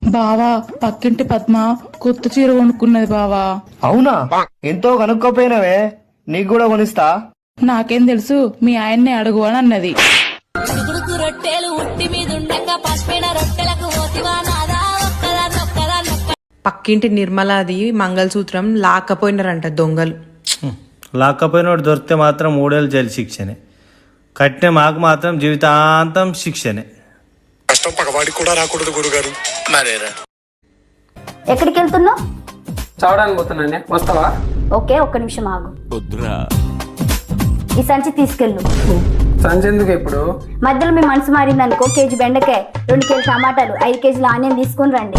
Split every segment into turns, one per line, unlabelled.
బావా పక్కింటి పద్మ కొత్త చీర కొనుక్కున్నది బావా.
అవునా? ఎంతో కనుక్కోపోయినవే, నీకు కూడా కొనిస్తా.
నాకేం తెలుసు, మీ ఆయన్నే అడుగు అని అన్నది.
పక్కింటి నిర్మలాది మంగళసూత్రం లాక్కపోయినారంట దొంగలు.
లాక్కపోయినోడు దొరికితే మాత్రం 3 ఏళ్ళు జైలు శిక్షనే, కట్టిన మాకు మాత్రం జీవితాంతం శిక్షనే.
కష్టం పగవాడికి కూడా రాకూడదు గురుగారు. మరేరా
ఎక్కడికి వెళ్తున్నావు?
చదవడానికి పోతున్నానే, వస్తావా?
ఓకే, ఒక్క నిమిషం ఆగు. ఈ సంచి తీసుకెళ్ళు.
సంచి ఎందుకు ఇప్పుడు?
మధ్యలో మీ మనసు మారింది అనుకో, కేజీ బెండకాయ, 2 కేజీ టమాటాలు, 5 కేజీల ఆనియన్ తీసుకుని రండి.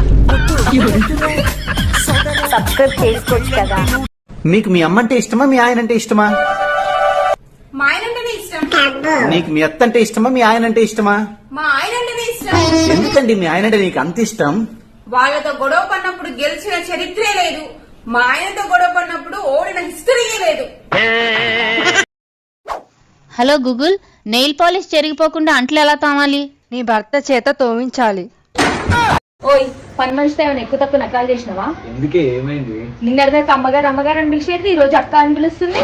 సబ్స్క్రైబ్ చేసుకోవచ్చు కదా.
నీకు మీ అమ్మ అంటే ఇష్టమా, మీ ఆయన అంటే ఇష్టమా?
మా ఆయన అంటేనే ఇష్టం.
నీకు మీ అత్త అంటే ఇష్టమా, మీ ఆయన అంటే ఇష్టమా?
మా ఆయన అంటేనే ఇష్టం.
ఎందుకండి మీ ఆయన అంటే నీకు అంత ఇష్టం?
వాళ్ళతో గొడవ పడినప్పుడు గెలిచిన చరిత్రే లేదు, మా ఆయనతో గొడవ పడినప్పుడు ఓడిన హిస్టరీయే లేదు.
హలో గూగుల్, నెయిల్ పాలిష్ చెరిగిపోకుండా అంట్లు ఎలా తోమాలి?
నీ భర్త చేత తోమించాలి.
ఓయ్, పని మనిషితో ఏమైనా ఎక్కువ తక్కువ నకాలు చేసినావా?
ఎందుకే, ఏమైంది?
నిన్నటిదాకా అమ్మగారు అమ్మగారు అని పిలిచేది, ఈ రోజు అక్క అని పిలుస్తుంది.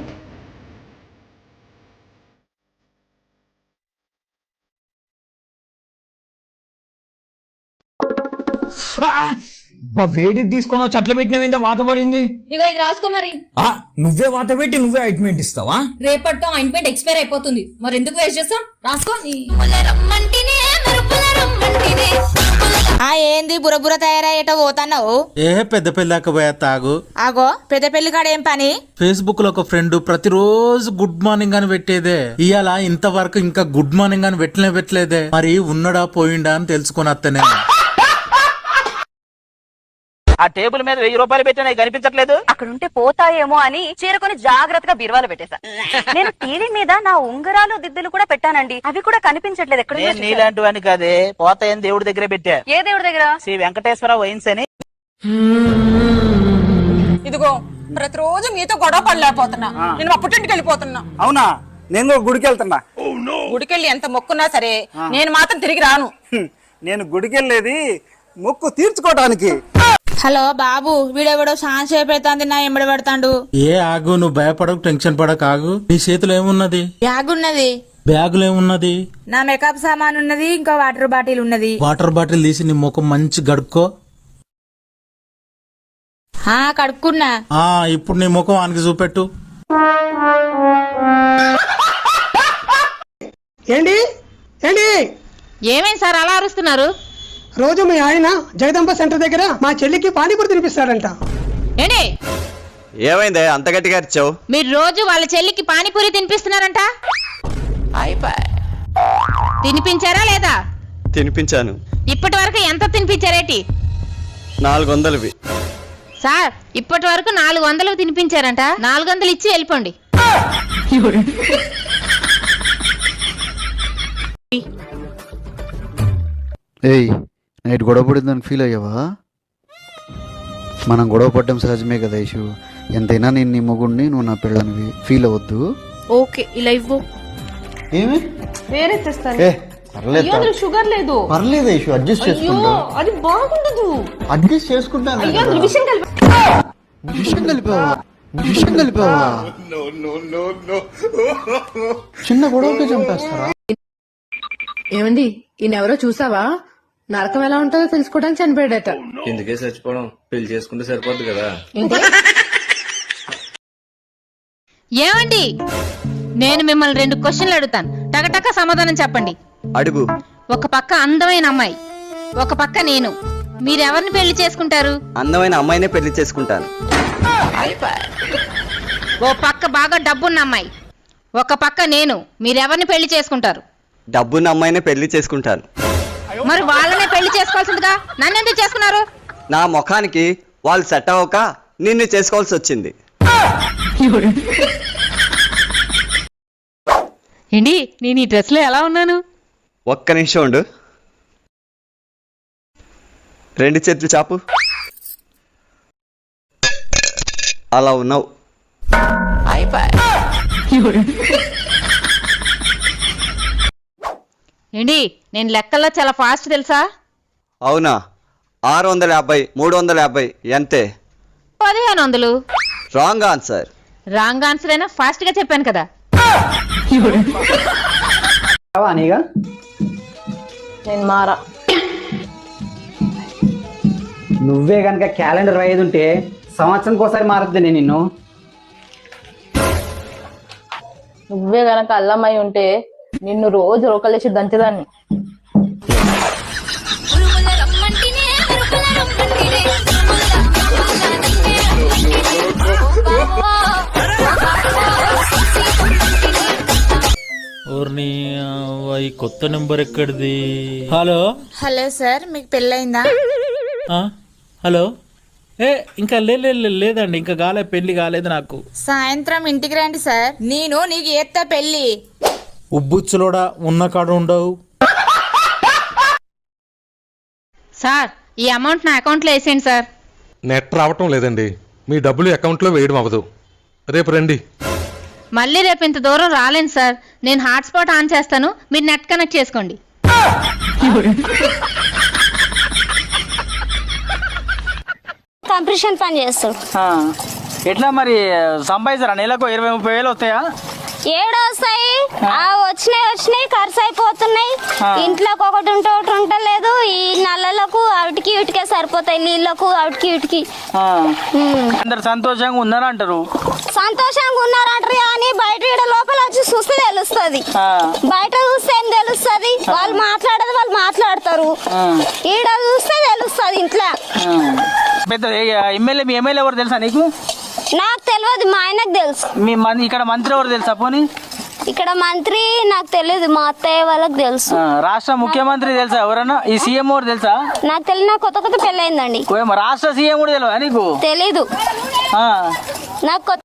వేడి తీసుకున్నావు, చెట్లు పెట్టినవిందా వాత పడింది.
ఇగో ఇది రాసుకో మరి.
నువ్వే వాత పెట్టి నువ్వే ఆయింట్మెంట్ ఇస్తావా?
రేపటితో ఆయింట్మెంట్ ఎక్స్పైర్ అయిపోతుంది, మరి ఎందుకు వేస్ట్ చేస్తాం? రాసుకో.
ఏంది బురబుర తయారయ్యేటో పోతున్నావు?
పెద్ద పెళ్ళాక పోయా తాగు.
ఆగో, పెద్ద పెళ్లి కాడ ఏం పని?
ఫేస్బుక్ లో ఒక ఫ్రెండ్ ప్రతిరోజు గుడ్ మార్నింగ్ అని పెట్టేదే, ఇవాళ ఇంతవరకు ఇంకా గుడ్ మార్నింగ్ అని పెట్టలేదే. మరి ఉన్నడా పోయిండా అని తెలుసుకుని అత్తనే.
ఆ టేబుల్ మీద 1000 రూపాయలు పెట్టినా కనిపించట్లేదు.
అక్కడ ఉంటే పోతాయేమో అని చీరకొని జాగ్రత్తగా బీరువాలో పెట్టేశా. నేను టీవీ మీద నా ఉంగరాలు దిద్దులు కూడా పెట్టానండి, అవి కూడా కనిపించట్లేదు. ఎక్కడ
నీలాంటి వాడిని కాదే, పోతాయని దేవుడి దగ్గరే పెట్టా.
ఏ దేవుడి దగ్గర?
శ్రీ వెంకటేశ్వర వైన్స్ అని.
ఇదిగో ప్రతిరోజు మీతో గొడవ పడలేకపోతున్నా, నేను మా పుట్టింటికి వెళ్ళిపోతున్నా.
అవునా? నేను కూడా గుడికి వెళ్తున్నా.
గుడికెళ్ళి ఎంత మొక్కున్నా సరే నేను మాత్రం తిరిగి రాను.
నేను గుడికి వెళ్ళేది మొక్కు తీర్చుకోవడానికి.
హలో బాబు, వీడెవడో ఛాన్స్ అయిపోతుంది, నా ఎంబడి పడతాడు.
ఆగు, నువ్వు భయపడకు, టెన్షన్ పడక, ఆగు. నీ చేతిలో ఏమున్నది?
బ్యాగ్ ఉన్నది.
బ్యాగులో ఏమున్నది?
నా మేకప్ సామాన్ ఉన్నది, ఇంకా వాటర్ బాటిల్ ఉన్నది.
వాటర్ బాటిల్ తీసి నీ ముఖం మంచి గడుక్కో.
కడుక్కున్నా.
ఇప్పుడు నీ ముఖం ఆనికి చూపెట్టు.
ఏంటి ఏంటి
ఏమైంది సార్ అలా అరుస్తున్నారు?
రోజు మీ ఆయన జగదంబ సెంటర్ దగ్గర మా చెల్లికి పానీపూరి తినిపిస్తాడంట.
ఏంటి?
ఏమైందే అంత గట్టిగా అరిచావు?
మీరు రోజు వాళ్ళ చెల్లికి పానీపూరి తినిపిస్తున్నారంట. తినిపించారా లేదా?
తినిపించాను.
ఇప్పటి వరకు ఎంత తినిపించారేటి?
400.
సార్, ఇప్పటి వరకు 400 తినిపించారంట. 400 ఇచ్చి వెళ్ళిపోండి.
ఏయ్, నైట్ గొడవ పడిందని ఫీల్ అయ్యావా? మనం గొడవ పడ్డం సహజమే కదా ఇషు. ఎంతైనా నేను నీ మొగుడిని, నువ్వు నా పిల్లనివి, ఫీల్ అవ్వద్దు.
ఓకే, ఇలా ఇవ్వు.
ఏమి?
వేరే తెస్తాను.
పర్లేదు,
షుగర్ లేదు.
పర్లేదు ఇషు, అడ్జస్ట్ చేసుకుంటా.
అది బాగుండదు.
అడ్జస్ట్ చేసుకుంటాను. విషయం కలిపావా? చిన్న గొడవకే చంపేస్తారా?
ఏమండి, ఈయనెవరో చూసావా? నరకం ఎలా ఉంటుందో తెలుసుకోవడానికి చనిపోయాడట.
ఎందుకే చచ్చిపోవడం, పెళ్లి చేసుకుంటే సరిపోద్ది కదా.
ఏమండి, నేను మిమ్మల్ని 2 క్వశ్చన్లు అడుగుతాను, టకటక సమాధానం చెప్పండి.
అడుగు.
ఒక పక్క అందమైన అమ్మాయి, ఒక పక్క నేను, మీరెవరిని పెళ్లి చేసుకుంటారు?
అందమైన అమ్మాయినే పెళ్లి చేసుకుంటాను.
ఓ పక్క బాగా డబ్బున్న అమ్మాయి, ఒక పక్క నేను, మీరెవరిని పెళ్లి చేసుకుంటారు?
డబ్బున్న అమ్మాయినే పెళ్లి చేసుకుంటాను.
మరి వాళ్ళనే పెళ్లి చేసుకోవాల్సిందిగా నన్ను ఎందుకు చేసుకున్నారు?
నా ముఖానికి వాళ్ళు సెట్ అవ్వక నిన్ను చేసుకోవాల్సి వచ్చింది.
ఏంటి, నేను ఈ డ్రెస్ లో ఎలా ఉన్నాను?
ఒక్క నిమిషం ఉండు. 2 చేతులు చాపు. అలా ఉన్నావు.
ఏంటి, నేను లెక్కల్లో చాలా ఫాస్ట్ తెలుసా?
అవునా? 650, 350 ఎంతే?
1500.
Wrong answer.
రాంగ్ ఆన్సర్ అయినా ఫాస్ట్ గా చెప్పాను కదా.
నీగా
నేను మారా.
నువ్వే కనుక క్యాలెండర్ రాయేది ఉంటే సంవత్సరానికి ఒకసారి మారద్దు నేను నిన్ను.
నువ్వే గనక అల్లమై ఉంటే నిన్ను రోజు రోకలేసి దంచేదాన్ని.
ఓర్ని ఈ కొత్త నెంబర్ ఎక్కడిది? హలో
హలో సార్, మీకు పెళ్ళయిందా?
హలో ఇంకా లేదండి, ఇంకా పెళ్లి కాలేదు నాకు.
సాయంత్రం ఇంటికి రండి సార్, నేను నీకు ఏత్తా పెళ్ళి.
ఉబ్బుచ్చులోడా ఉన్న కాడ ఉండవు.
సార్ ఈ అమౌంట్ నా అకౌంట్ లో వేసేయండి సార్.
నెట్ రావటం లేదండి, మీ డబ్బులు అకౌంట్లో వేయడం అవ్వదు. రేపు రండి.
మళ్ళీ రేపు ఇంత దూరం రాలేను సార్. నేను హాట్స్పాట్ ఆన్ చేస్తాను, మీరు నెట్ కనెక్ట్ చేసుకోండి.
కంప్రెషన్ పని చేస్తాడు.
ఎట్లా మరి సంపాదించారా? నెలకు 20-30 వేలు వస్తాయా?
ఏడొస్తాయి, వచ్చినాయి ఖర్చు అయిపోతున్నాయి. ఇంట్లోకి ఒకటి ఉంటే ఒకటి ఉండలేదు. ఈ నల్లలకు అవిటికి ఇటుకే సరిపోతాయి, నీళ్ళకు అవిటికి ఇటుకి.
అందరు సంతోషంగా ఉన్నారంటారు.
సంతోషంగా ఉన్నారంటారు కానీ బయట ఈడ లోపల వచ్చి చూస్తే తెలుస్తుంది. బయట చూస్తే ఏం తెలుస్తుంది? వాళ్ళు మాట్లాడేది వాళ్ళు మాట్లాడతారు, ఈడ చూస్తే తెలుస్తుంది ఇంట్లో.
పెద్ద ఎమ్మెల్యే, మీ ఎమ్మెల్యే ఎవరు తెలుసా నీకు?
నాకు తెలియదు, మా ఆయనకు తెలుసు.
మీ ఇక్కడ మంత్రి ఎవరు తెలుసా? పోనీ
ఇక్కడ మంత్రి నాకు తెలియదు, మా అత్తయ్య వాళ్ళకి తెలుసు.
రాష్ట్ర ముఖ్యమంత్రి తెలుసా ఎవరన్నా? ఈ సీఎం ఎవరు తెలుసా?
నాకు తెలియదు, కొత్త పెళ్ళయిందండి.
రాష్ట్ర సీఎం కూడా తెలియదా నీకు?
తెలీదు, నాకు కొత్త